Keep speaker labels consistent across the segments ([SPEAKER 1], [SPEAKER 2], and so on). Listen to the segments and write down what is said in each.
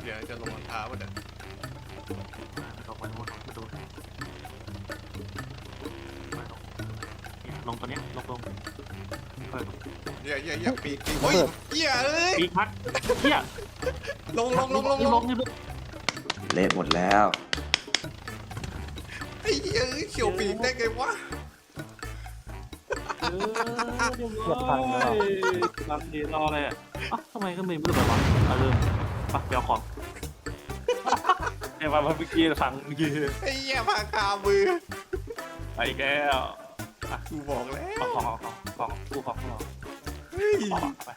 [SPEAKER 1] ดี๋ยวจะลงรองเท้าเดี๋ยว
[SPEAKER 2] ลงไปดูลงตัวเนี้ยลง
[SPEAKER 1] เหี้ยปีกโอ้ยเหี้ยเอ้ย
[SPEAKER 2] ปีพัดเฮีย
[SPEAKER 1] ลง
[SPEAKER 3] เละหมดแล้ว
[SPEAKER 1] ไอ้เหี้ยเขียวปีกได้ไงวะ
[SPEAKER 2] เกือบพังแล้วบางทีรออะไรอ่ะทำไมก็ไม่รู้แบบว่าเริ่มปะเดี๋ยวของไอ้มาเมื่อกี้ฟังเมื่อกี้
[SPEAKER 1] ไอ้เหี้ยพาคามือ
[SPEAKER 2] ไปแก้ว
[SPEAKER 1] กูบอกแล้ว
[SPEAKER 2] ของกูของเรา
[SPEAKER 1] เฮ้ย
[SPEAKER 2] ไป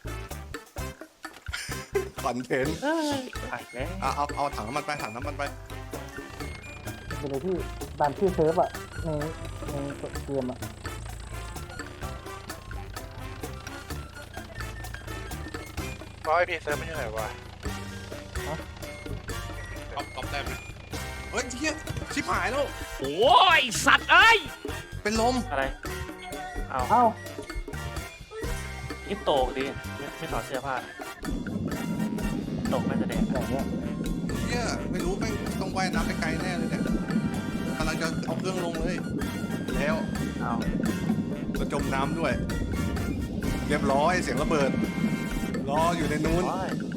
[SPEAKER 1] คอนเทนต์
[SPEAKER 2] ไปแล้ว
[SPEAKER 1] เอาถังน้ำมันไปเป็น
[SPEAKER 4] เลยที่ตามชื่อเซิร์ฟอะในเกมอะ
[SPEAKER 5] ร้อยพีเซิร์ฟไม่ใช่ไหนวะ
[SPEAKER 1] ก๊อปได้ไหมเฮ้ยเหี้ยชิบหายแล้ว
[SPEAKER 2] โอ้ยสัตว์เอ้ย
[SPEAKER 1] เป็นลม
[SPEAKER 2] อะไร
[SPEAKER 4] เอ้า
[SPEAKER 2] นี่โตกดิไม่ถอดเสื้อผ้าโตกน่าจะแดง
[SPEAKER 4] อย่างเงี้ย
[SPEAKER 1] เหี้ยไม่รู้แม่งต้องว่ายน้ำไปไกลแน่เลยเนี่ยกำลังจะเอาเครื่องลงเลยแล้ว
[SPEAKER 2] เอา
[SPEAKER 1] ก็จมน้ำด้วย เรียบร้อยเสียงระเบิดรออยู่ในนู้น
[SPEAKER 2] โอ้ย